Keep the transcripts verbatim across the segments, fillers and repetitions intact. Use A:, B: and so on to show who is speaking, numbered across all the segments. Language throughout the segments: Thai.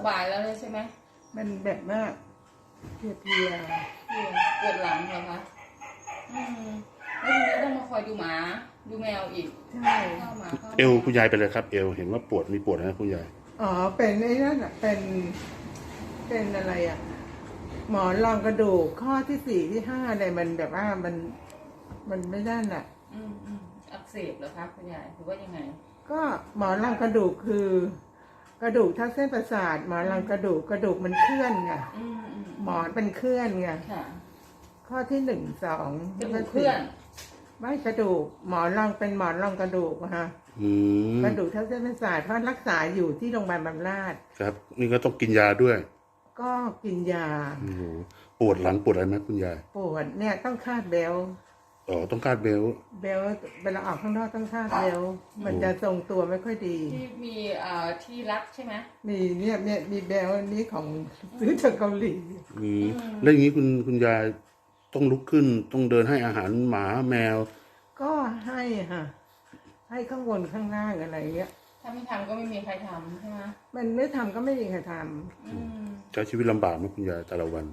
A: บายแล้วเลยใช่ไหม
B: มันแบบว่าเพลียเพลีย
A: ปวดหลังเหรอคะอืมแล้วทีนี้ต้องมาคอยดูหมาดูแมวอีก
B: ใช่
A: เข้ามาเข้า
C: เอวคุณยายเป็นเลยครับเอวเห็นว่าปวดมีปวดนะคุณยาย
B: อ๋อเป็นไอ้นั่นอ่ะเป็นเป็นอะไรอ่ะหมอนรองกระดูกข้อที่สี่ที่ห้าอะไรมันแบบว่ามันมันไม่ได้น่ะ
A: อืมอืมอักเสบเหรอครับคุณยายหรือว่ายังไง
B: ก็หมอนรองกระดูกคือกระดูกทับเส้นประสาทหมอนรองกระดูกกระดูกมันเคลื่อนไงหมอนเป็นเคลื่อนไงข้อที่หนึ่งสอง
A: กระดูกเคลื่อน
B: ไม่กระดูกหมอนรองเป็นหมอนรองกระดูกฮะกระดูกทับเส้นประสาทเพราะรักษาอยู่ที่โรงพยาบาลบำราศ
C: ครับนี่ก็ต้องกินยาด้วย
B: ก็กินยา
C: ปวดหลังปวดอะไรไหมคุณยาย
B: ปวดเนี่ยต้องคาดเบล
C: อ๋อต้องคาดเบล
B: เบลเวลาออกข้างนอกต้องคาดเบลมันจะทรงตัวไม่ค่อยดี
A: ที่มีเอ่อที่รักใช่ไหม
B: มีเนี่ยเนี่ยมีเบลนี้ของซื้อจากเกาหลี
C: อืมแล้วอย่างนี้คุณคุณยายต้องลุกขึ้นต้องเดินให้อาหารหมาแมว
B: ก็ให้ค่ะให้ข้างบนข้างล่างอะไรเงี้ย
A: ถ้าไม่ทำก็ไม่มีใครทำใช่ไหม
B: มันไม่ทำก็ไม่มีใครทำ
C: ใช้ชีวิตลำบากไหมคุณยายแต่ละวัน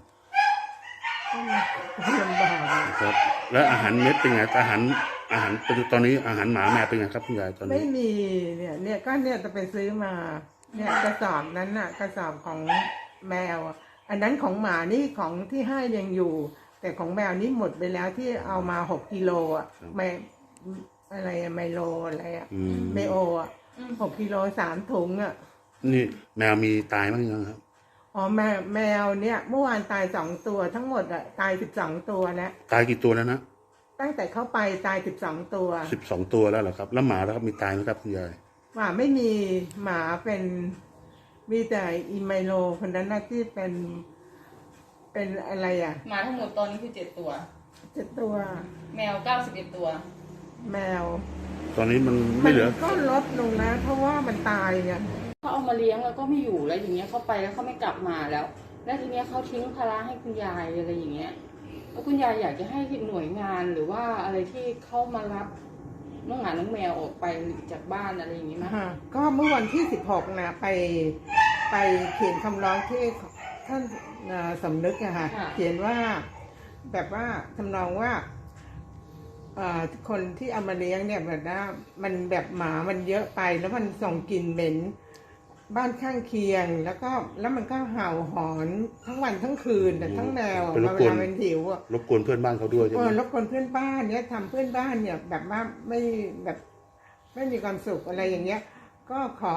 B: ลำบาก
C: ครับแล้วอาหารเม็ดเป็นไงอาหารอาหารเป็นตอนนี้อาหารหมาแมวเป็นไงครับคุณยายตอนนี้
B: ไม่มีเนี่ยเนี่ยก็เนี่ยจะไปซื้อมาเนี่ยกระสอบนั้นน่ะกระสอบของแมวอันนั้นของหมานี่ของที่ให้ยังอยู่แต่ของแมวนี่หมดไปแล้วที่เอามาหกกิโลอ่ะไม่อะไรไมโลอะไรอ่ะไมโออ่ะหกกิโลสามถุงอ่ะ
C: นี่แมวมีตายบ้างยังครับ
B: อ๋อแมวแมวเนี่ยเมื่อวานตายสองตัวทั้งหมดอ่ะตายสิบสองตัวแล้ว
C: ตายกี่ตัวแล้วนะ
B: ตั้งแต่เข้าไปตายสิบสองตัว
C: สิบสองตัวแล้วเหรอครับแล้วหมาแล้วครับมีตายไหมครับคุณยาย
B: หมาไม่มีหมาเป็นมีแต่อีไมโลคนนั้นน่ะที่เป็นเป็นอะไรอ่ะ
A: หมาทั้งหมดตอนนี้คือเจ็ดตัว
B: เจ็ดตัว
A: แมวเก้าสิบเอ็ดตัว
B: แมว
C: ตอนนี้มันไม่เหลือ
B: ก็ลดลงนะเพราะว่ามันตายไง
A: เขาเอามาเลี้ยงแล้วก็ไม่อยู่แล้วอย่างเงี้ยเขาไปแล้วเขาไม่กลับมาแล้วแล้วทีเนี้ยเขาทิ้งภาระให้คุณยายอะไรอย่างเงี้ยแล้วคุณยายอยากจะให้หน่วยงานหรือว่าอะไรที่เข้ามารับน้องหมาน้องแมวออกไปจากบ้านอะไรอย่างงี้มั้ย
B: ก็เมื่อวันที่สิบหกนะไปไปเขียนคำร้องที่ท่านสำนึกอะค่ะเขียนว่าแบบว่าทำนองว่าคนที่เอามาเลี้ยงเนี่ยแบบว่ามันแบบหมามันเยอะไปแล้วมันส่งกลิ่นเหม็นบ้านข้างเคียงแล้วก็แล้วมันก็เห่าหอนทั้งวันทั้งคืนแต่ทั้งแมวเวลาเป็นหิวอ่ะ
C: รบกวนเพื่อนบ้านเขาด้วยใช่ไหม
B: รบกวนเพื่อนบ้านเนี่ยทำเพื่อนบ้านเนี่ยแบบว่าไม่แบบไม่มีความสุขอะไรอย่างเงี้ยก็ขอ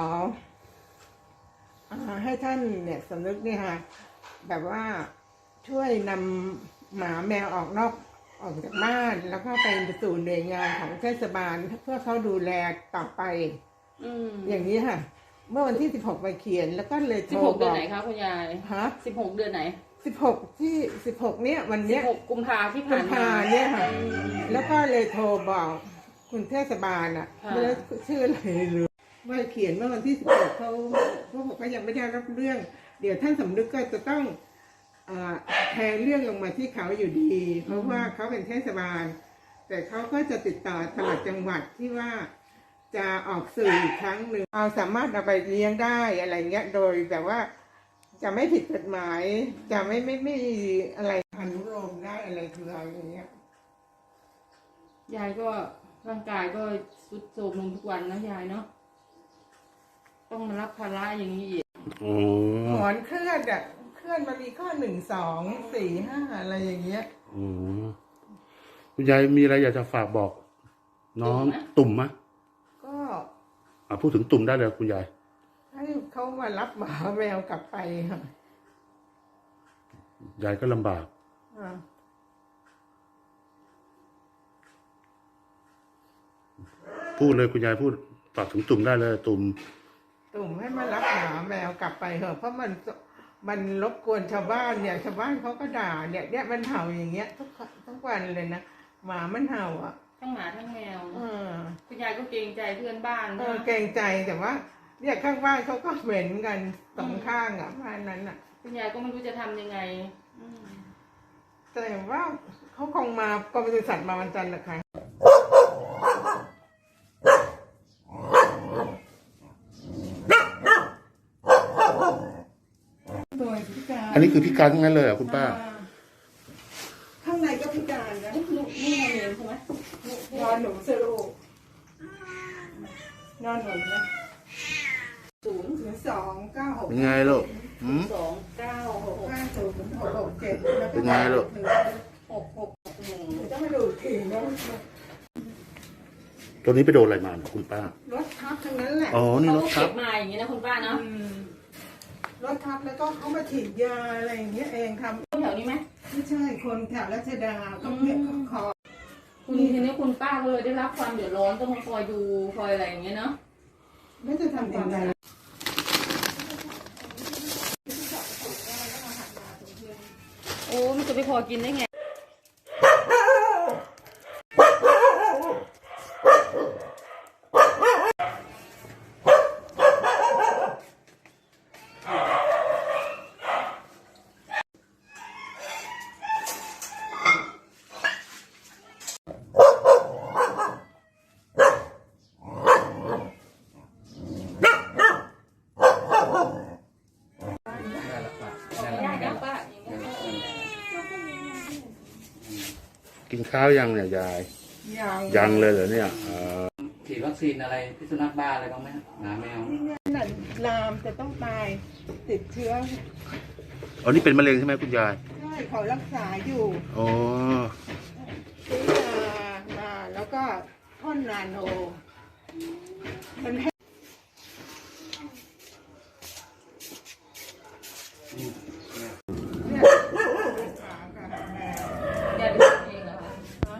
B: ให้ท่านเนี่ยสำนึกเนี่ยค่ะแบบว่าช่วยนำหมาแมวออกนอกออกจากบ้านแล้วก็ไปสู่หน่วยงานของเทศบาลเพื่อเขาดูแลต่อไปอย่างนี้ค่ะเมื่อวันที่สิบหกไปเขียนแล้วก็เลยโทรบอก
A: สิบหกเดือนไหนคะคุณยาย
B: ฮะ
A: สิบหกเดือนไหน
B: สิบหกที่สิบหกเนี้ยวันเนี้ย
A: สิบหกกุมภาที่ผ่านมา
B: เนี่ยค่ะแล้วก็เลยโทรบอกคุณเทศบาลอ่ะไม่ได้ชื่ออะไรเลยว่าเขียนเมื่อวันที่สิบหกเขาเขาบอกว่ายังไม่ได้รับเรื่องเดี๋ยวท่านสำนึกก็จะต้องแทนเรื่องลงมาที่เขาอยู่ดีเพราะว่าเขาเป็นเทศบาลแต่เขาก็จะติดต่อตลาดจังหวัดที่ว่าจะออกสื่ออีกครั้งหนึ่งเอาสามารถเอาไปเลี้ยงได้อะไรเงี้ยโดยแบบว่าจะไม่ผิดกฎหมายจะไม่ไม่ไม่อะไรอนุโลมได้อะไรคืออะไรอย่างเงี้ย
A: ยายก็ร่างกายก็ทรุดโทรมลงทุกวันนะยายเนาะต้องมารับภาระอย่างนี้อีก
B: หมอนเคลื่อนอ่ะเคลื่อนมามีข้อหนึ่งสองสี่ห้าอะไรอย่างเงี้ย
C: อืมคุณยายมีอะไรอยากจะฝากบอกน้องตุ่มไหม
B: ก็
C: พูดถึงตุ่มได้เลยคุณยาย
B: ให้เขามารับหมาแมวกลับไปค่ะ
C: ยายก็ลำบากพูดเลยคุณยายพูดฝากถึงตุ่มได้เลยตุ่ม
B: ตุ่มให้มารับหมาแมวกลับไปเถอะเพราะมันมันรบกวนชาวบ้านเนี่ยชาวบ้านเขาก็ด่าเนี่ยเนี่ยมันเห่าอย่างเงี้ยทุกทุกวันเลยนะหมามันเห่าอ่ะ
A: ทั้งหมาทั้งแมวคุณยายก็เกรงใจเพื่อนบ้าน
B: เออเกรงใจแต่ว่าเนี่ยข้างบ้านเขาก็เหม็นกันสองข้างอ่ะบ้านนั้นอ่ะ
A: คุณยายก็ไม่รู้จะทำยังไง
B: แต่ว่าเขาคงมากรมปศุสัตว์มาวันจันทร์นะคะหน่วยพิการ
C: อันนี้คือพิการทั้งนั้นเลยเหรอคุณป้า
B: ข้างในก็พิการนะ
A: ลูกลูกนี่ไงเรียนใช่ไหม
B: นอนหนูสโลนอนหนูนะ
A: ศูนย์
B: ศูนย์สองเก้าหก
C: เป็นไงลูกหืม
A: สองเก้าหก
B: ห้าศูนย์หกหกเจ็ด
C: เป็นไงลูก
A: หกหกหนึ่ง
B: จะมาดูถึงแล้ว
C: ตัวนี้ไปโดนอะไรมาเนี่ยคุณป้าร
B: ถทับทั้งนั้นแหละ
C: อ๋อนี่รถ
A: เขา
C: ทั
A: เก็
C: บบ
A: มาอย่างนี้นะคุณป้าเนาะ
B: อืมรถทับแล้วก็เขามาฉีดยาอะไรอย่างเงี้ยเองทำ
A: แถวนี้ไหม
B: ไม่ใช่คนแถวรัชดาเขาเนี่ยเขาขอ
A: คุณทีนี้คุณป้าก็เลยได้รับความเดือดร้อนต้องมาคอยดูคอยอะไรอย่างเงี้ยเนาะ
B: ไม่จะทำยังไง
A: โอ้มันจะไปพอกินได้ไงได้แล้วป้าอย่างเงี้ย
C: กินข้าวยังเนี่ยยาย
B: ยัง
C: ยังเลยเหรอเนี่ยเออ
D: ฉีดวัคซีนอะไรพิษสุนัขบ้าอะไรบ้างไหมครับหมาแมว
B: นี่เนี่ยนั่นลามจะต้องตายติดเชื้อ
C: อ๋อนี่เป็นมะเร็งใช่ไหมคุณยาย
B: ใช่เขารักษาอยู่
C: อ๋อ
B: ซื้อยามาแล้วก็พ่นนาโนมันให้เนี่ยขากับแมว
A: ยายดูเองเหรอคะ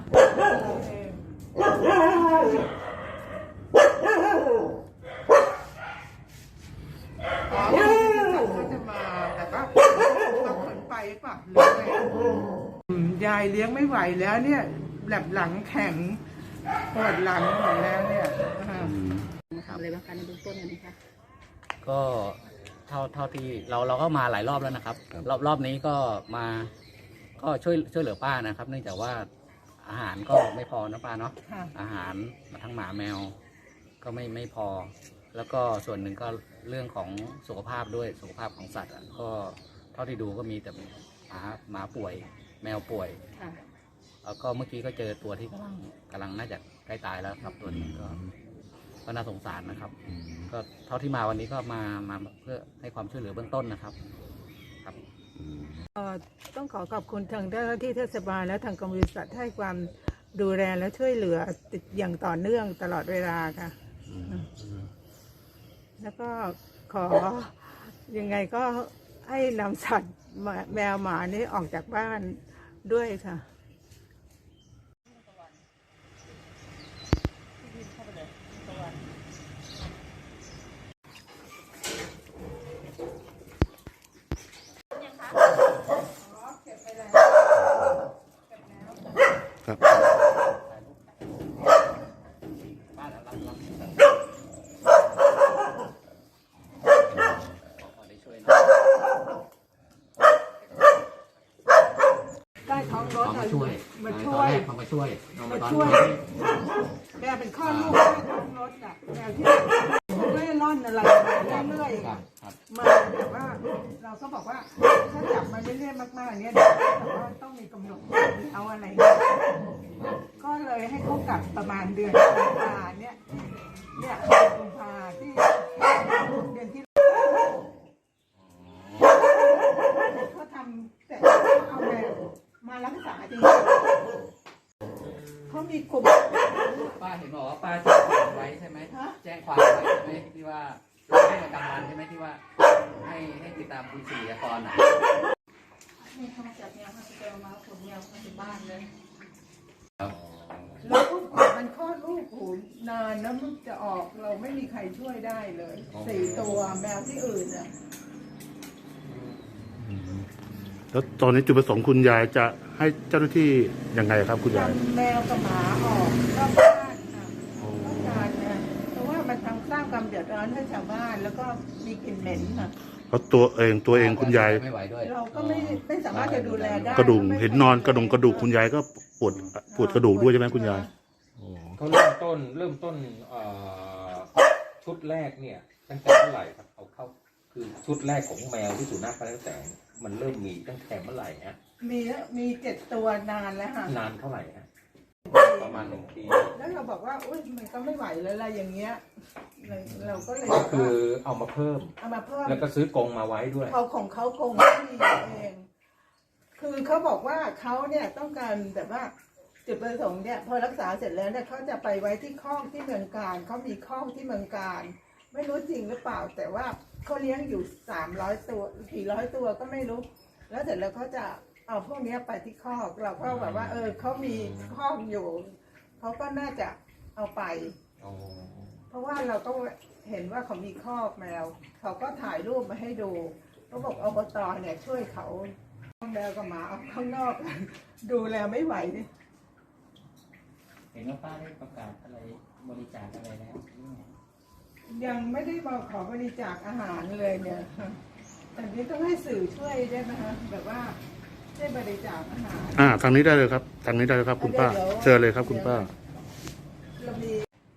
B: อ๋อเขาจะมาแต่ก็ต้องขนไปปะเลยยายเลี้ยงไม่ไหวแล้วเนี่ยแบบหลังแข็งปวดหลังหมดแล้วเนี่ยอ่า
A: มาทำอะไรบ้างคะในเบื้องต้นนะคะ
D: ก็เท่าเท่าที่เราเราก็มาหลายรอบแล้วนะครับ รอบรอบนี้ก็มาก็ช่วยช่วยเหลือป้านะครับ เนื่องจากว่าอาหารก็ไม่พอนะป้าเนาะ
B: ค่ะ
D: อาหารทั้งหมาแมว ก็ไม่ไม่พอ แล้วก็ส่วนหนึ่งก็เรื่องของสุขภาพด้วยสุขภาพของสัตว์อะก็เท่าที่ดูก็มีแต่หมาหมาป่วย แมวป่วย
A: ค่ะ
D: แล้วก็เมื่อกี้ก็เจอตัวที่กำลังกำลังน่าจะใกล้ตายแล้วครับตัวนี้ก็ก็น่าสงสารนะครับ ก็เท่าที่มาวันนี้ก็มามาเพื่อให้ความช่วยเหลือเบื้องต้นนะครับ ครับ
B: ต้องขอขอบคุณทางเจ้าหน้าที่เทศบาลและทางกรมบริษัทให้ความดูแลและช่วยเหลือติดอย่างต่อเนื่องตลอดเวลาค่ะ แล้วก็ขอยังไงก็ให้นำสัตว์แมวหมานี้ออกจากบ้านด้วยค่ะ
C: ครับ
D: บ้านเรารับรับขอได้ช่วยนะ
B: ใต้ท้องรถ
D: เขามาช่วย
B: มา
D: ต
B: ช่
D: อน
B: วย
D: แรกเขามาช่วยเรามา
B: มา
D: ตอน
B: ช่วย
D: นี้
B: แมวเป็นข้อลูกใต้ท้องรถอ่ะแมวที่ไม่ร่อนอะไรมาเรื่อย
D: ครับครับ
B: ๆมาแบบว่า เราก็บอกว่าถ้าจับมาเรื่อยๆมากๆเนี้ยเดี๋ยวแต่ว่าต้องมีกำหนดเอาอะไรเงี้ยก็เลยให้เขากลับประมาณเดือนกุมภาเนี่ยเนี่ยเดือนกุมภาที่เดือนที่เขาทำแต่เอาแมวมารักษาจริงๆเขามีกลุ่ม
D: ป้าเห็นบอกว่าป้าแจ้งความไว้ใช่ไหม
B: ฮะ
D: แจ้งความไว้ใช่ไหมที่ว่าลงให้ประจำวันใช่ไหมที่ว่า ให้ให้ติดตามคุณสี่กรอ่ะ
A: นี่เขามาจับเนี่ยเขาจะเอามาขนเนี่ยมาถึงบ้านเลย
B: แล้วก็กว่ามันคลอดลูกโหนานแล้วมันจะออกเราไม่มีใครช่วยได้เลยสี่ตัวแมวที่อื่นอ่ะ
C: แล้วตอนนี้จุดประสงค์คุณยายจะให้เจ้าหน้าที่ยังไงครับคุณยาย
B: ทำแมวกับหมาออกนอกบ้านค่ะต้องการนะเพราะว่ามันทำสร้างความเดือดร้อนให้ชาวบ้านแล้วก็มีกลิ่นเหม็นค่ะ
C: เพราะตัวเองตัวเองคุณยาย
D: ไม่ไหวด้วย
B: เราก็ไม่ไม่สามารถจะดูแลได้
C: กระดูกเห็นนอนกระดงกระดูกคุณยายก็ปวดปวดกระดูกด้วยใช่ไหมคุณยาย
E: เขาเริ่มต้นเริ่มต้นเอ่อชุดแรกเนี่ยตั้งแต่เท่าไหร่ครับเอาเข้าคืคือชุดแรกของแมวที่สุนัขพระแสงมันเริ่มมีตั้งแต่เมื่อไหร่ฮะ
B: มีมีเจ็ดตัวนานแล้วค่ะ
E: นานเท่าไหร่ฮะประมาณหนึ่งปี
B: แล้วเราบอกว่าอุ้ยมันก็ไม่ไหวแล้วอะไรอย่างเงี้ยเราเราก็เลย
E: ก็คือเอามาเพิ่ม
B: เอามาเพิ่ม
E: แล้วก็ซื้อกรงมาไว้ด้วย
B: เขาของเขาคงที่เอง คือเขาบอกว่าเขาเนี่ยต้องการแบบว่าจุดประสงค์เนี่ยพอรักษาเสร็จแล้วเนี่ยเขาจะไปไว้ที่คอกที่เมืองการเขามีคอกที่เมืองการไม่รู้จริงหรือเปล่า แต่ว่าเขาเลี้ยงอยู่สามร้อยตัวกี่ร้อยตัวก็ไม่รู้ แล้วเสร็จแล้วเขาจะเอาพวกเนี้ยไปที่คอกเราก็แบบว่า เออเขามีคอกอยู่เขาก็น่าจะเอาไป
E: อ๋อ
B: เพราะว่าเราก็เห็นว่าเขามีคอกแมวเขาก็ถ่ายรูปมาให้ดูเขาบอกอบตเนี่ยช่วยเขาแมวกับหมาเอาข้างนอก ดูแลไม่ไหวนี่
F: เห็นว่าป้าได้ประกาศอะไรบริจาคอะไรแล้วหรือไง
B: ยังไม่ได้มาขอบริจาคอาหารเลยเนี่ยแต่นี้ต้องให้สื่อช่วยได้ไหมคะแบบว่าช่วยบริจาคอาหาร
C: อ่าทางนี้ได้เลยครับทางนี้ได้เลยครับ คุณป้า เชิญเลยครับคุณป้า
B: เรามี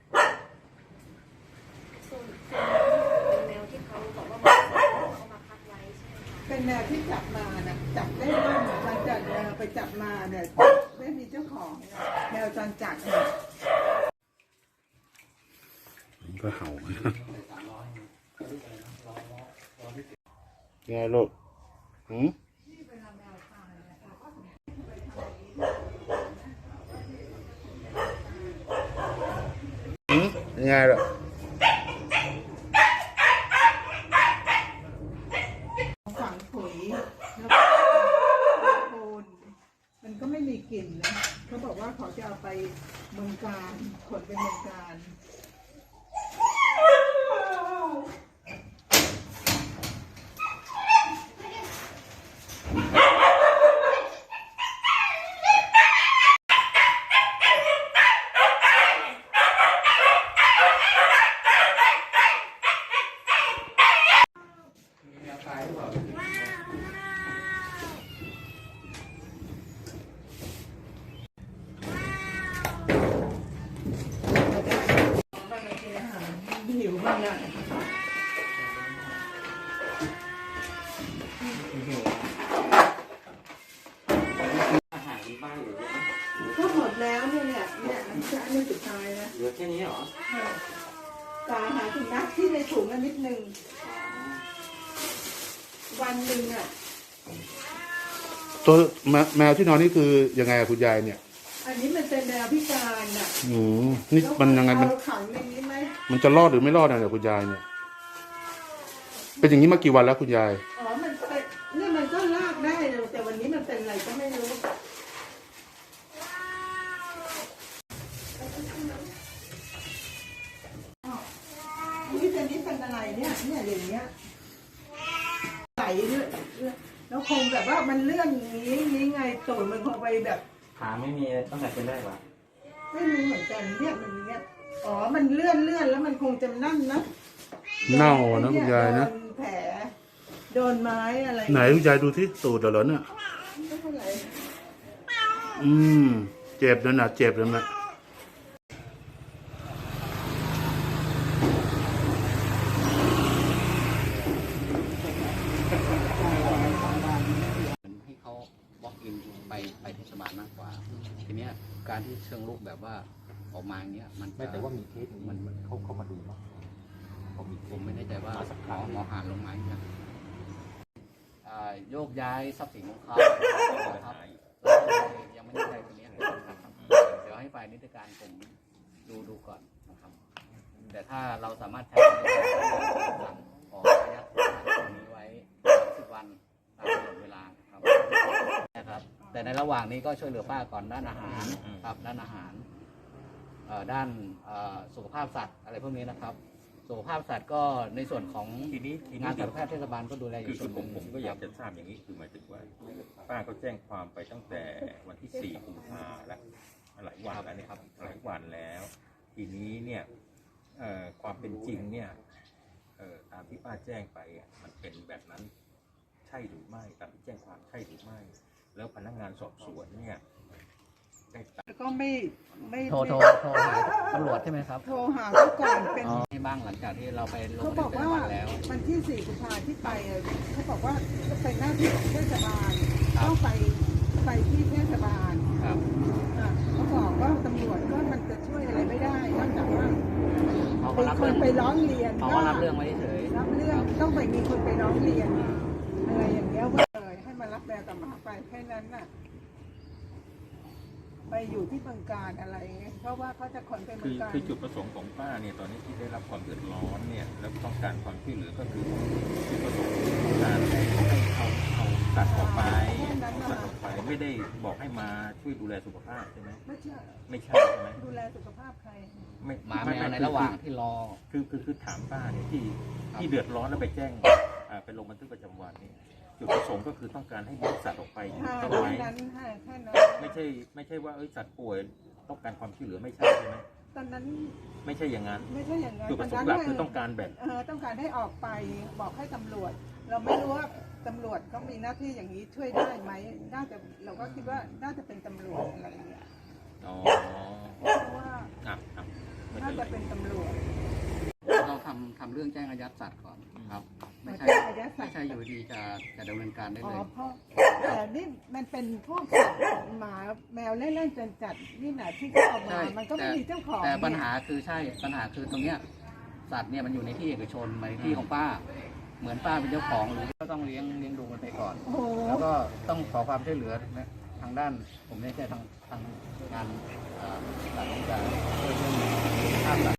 G: ส่วนเป็นแมวที่เขาบอกว่ามาเขามาพักไว้ใช่ไหมคะ
B: เป็นแมวที่จับมานะจับได้บ้างหลังจากแมวไปจับมาเนี่ยไม่มีเจ้าของเนี่ยแมวจรจัดเนี่ย
C: ก็เห่าไงลูกหืมหืมยังไงล่ะ
B: ฝังปุ๋ยแล้วก็โคนมันก็ไม่มีกลิ่นนะเขาบอกว่าเขาจะเอาไปเมืองการขนไปเมืองการ หิวมากเลย
F: อาหารที่บ้านเหลือเยอะไหม
B: ก็หมดแล้วเนี่ยเนี่ยเนี่ยอันนี้อันนี้สุดท้ายนะ
F: เหลือแค่นี้เหรอ
B: กาหาถุงนักที่ในถุงอันนิดนึงวันหนึ่งอ่ะ
C: ตัวแมแมวที่นอนนี่คือยังไงอะคุณยายเนี่ย
B: อันนี้มันเป็นแมวพิการอ่ะ
C: อืมนี่มันยังไงมัน
B: เอาขังในนี้ไหม
C: มันจะรอดหรือไม่รอดนะเนี่ยคุณยายเนี่ย เป็นอย่างนี้มากี่วันแล้วคุณยาย
B: อ๋อมันเป็นเนี่ยมันก็ลากได้เลยแต่วันนี้มันเป็นอะไรก็ไม่รู้นี่เป็นนี่เป็นอะไรเนี่ยเนี่ยอย่างเงี้ยไหลเรื่อยแล้วคงแบบว่ามันเลื่อนอย่างนี้นี้ไงตูดมันคงไปแบบ
F: ขาไม่มีตั้งแต่เป็นได้ปะ
B: ไม่รู้เหมือนกันเนี่ยมันเนี้ยอ๋อมันเลื่อนเลื่อนแล้วมันคงจะนั่นนะ
C: เน่าอะนะคุณยายนะ
B: โดแผลโดนไม้อะไร
C: ไหนคุณยายดูที่ตูดเหรอเนี่ย
B: ไม่เป็นไร
C: อืม เจ็บนั่นน่ะเจ็บนั่นน่ะ
D: ให้เขาบล็อกอินไปไปเทศบาลมากกว่า ทีเนี้ยการที่เชิงลุกแบบว่าออกมาอย่างเงี้ยมัน
E: ไม่แต่ว่ามีเคสนี้มันมันเขาเขามาดูเนาะเขามีเค
D: ผม
E: ส
D: ไม่แน่ใจว่าหมอหมอหานลงไหมนะอ่าโยกย้ายทรัพย์สินของเขาครับยังไม่ได้ใจตรงนี้นะครับเดี๋ยวให้ฝ่ายนิติการผมดูดูก่อนนะครับ แต่ถ้าเราสามารถใช้ในการสั่งขอระยะตรงนี้ไว้สิบวันตามกำหนดเวลานะครับนะครับ แต่ในระหว่างนี้ก็ช่วยเหลือป้าก่อนด้านอาหารครับด้านอาหารเอ่อด้านเอ่อสุขภาพสัตว์อะไรพวกนี้นะครับ สุขภาพสัตว์ก็ในส่วนของ
E: ทีนี้ที
D: งา
E: นี้
D: นสัตวแพทย์เทศบาลก็ดูแลอ
E: คื
D: ยู่
E: อ
D: ส่วนห
E: ผ
D: นึ่
E: ม
D: ง
E: ผมก็อยากจะทราบอย่างนี้คือหมายถึงว่าป้าเขาแจ้งความไปตั้งแต่วันที่สี่กุมภาแล้วหลายวันแล้วเนี่ยครับหลายวันแล้ว ทีนี้เนี่ยเอ่อความเป็นจริงเนี่ยเอ่อตามที่ป้าแจ้งไปอ่ะมันเป็นแบบนั้นใช่หรือไม่ตามที่แจ้งความใช่หรือไม่ แล้วพนักงานสอบสวนเนี่ย
B: แล้วก็ไม่ไม่
D: โทรโทรโทรหาตำรวจใช่ไหมครับ
B: โทรหาเขาก่อนเป็น
D: อ๋อที่บ้างหลังจากที่เราไปลง
B: เขา
D: บั
B: บ
D: นทึ
B: อก
D: กประ
B: ว่า
D: จำวันแล้ว
B: วันที่สี่กุมภาที่ไปอะเขาบอกว่าจะเป็นหน้าที่ของเทศบาล
D: ครับ
B: ต้องไปไปที่เทศบาล
D: ครับ
B: อ่ะเขาบอกว่าตำรวจก็มันจะช่วยอะไรไม่ได้นอกจากว่า
D: เขาก็
B: มี
D: รับ
B: ค
D: เรื่
B: น
D: อง
B: ไปร้องเรียน
D: เขาก็รับเรื่องไว้เฉย
B: รับเรื่องต้องไปมีคนไปร้องเรียนอะไรอย่างเงี้ยว่าเลยให้มารับแมวกับหมาไปแค่นั้นน่ะไปอยู่ที่เมืองการอะไรเงี้ยเพราะว่าเขาจะขนไปเมื
E: คือ อง
B: การ
E: คือจุดประสงค์ของป้าเนี่ยตอนนี้ที่ได้รับความเดือดร้อนเนี่ยแล้วต้องการความช่วยเหลือก็คือจุดประสงค์ต้องการให้เอาเอาสัตว์ออกไปเอาสัตว์ออกไปไม่ได้บอกให้มาช่วยดูแลสุขภาพใช่ไหม
B: ไม่ใช่
E: ไม่ใช่ใช่ไหม
B: ดูแลสุขภาพใคร
E: ไม่
D: ๆหมาแม
E: ไไ
D: วในระหว่างที่รอ
E: คือคือคือถามป้าเนี่ยที่ที่เดือดร้อนแล้วไปแจ้งอ่าไปลงบันทึกประจำวันเนี่ยจุดประสงค์ก็คือต้องการให้ยึดสัตว์ออกไป
B: ค่ะ
E: ต้อง
B: แค่
E: ไหม
B: นั้นค่ะแค่นั้น
E: ไม่ใช่ไม่ใช่ว่าเอ้ยสัตว์ป่วยต้องการความช่วยเหลือไม่ใช่ใช่ไหม
B: ตอนนั้น
E: ไม่ใช่อย่างนั้น
B: ไม่ใช่อย่างนั้น
E: จุดประสงค์หลักคือต้องการแบบ
B: เออต้องการให้ออกไปบอกให้ตำรวจ เราไม่รู้ว่าตำรวจเขามีหน้าที่อย่างนี้ช่วยได้ไหมน่าจะเราก็คิดว่าน่าจะเป็นตำรวจอะไรอย่างเงี้ย
E: อ๋อ
B: เพราะว่า
E: อ่ะอ่ะไม่
B: น่า
E: เป็นไร
B: จะเป็นตำรวจ
D: เราทำทำเรื่องแจ้งอายัดสัตว์ก่อนครับ ไม่ใช่
B: แจ้งอายัดสัตว์
D: ไม่ใช่อยู่ดีจะจะดำเนินการได้
B: อ๋อ
D: เลย
B: เพราะแต่นี่มันเป็นพวกสัตว์หมาแมวเล่นๆจนจัดนี่นะที่เขาเอามา
D: ใช่
B: มันก็ไม่
D: แต่
B: มีเจ้าของ
D: แต่ปัญหา
B: เนี่ย
D: คือใช่ปัญหาคือตรงเนี้ยสัตว์เนี่ยมันอยู่ในที่เอกชนมาในที่ของป้า เหมือนป้าเป็นเจ้าของหรือก็ต้องเลี้ยงเลี้ยงดูมันไปก่อน
B: โอ้โห
D: แล้วก็ต้องขอความช่วยเหลือนะทางด้านผมไม่ใช่ทางทางงานเอ่อสัตว์ที่จะช่วยเรื่องค่าสัตว์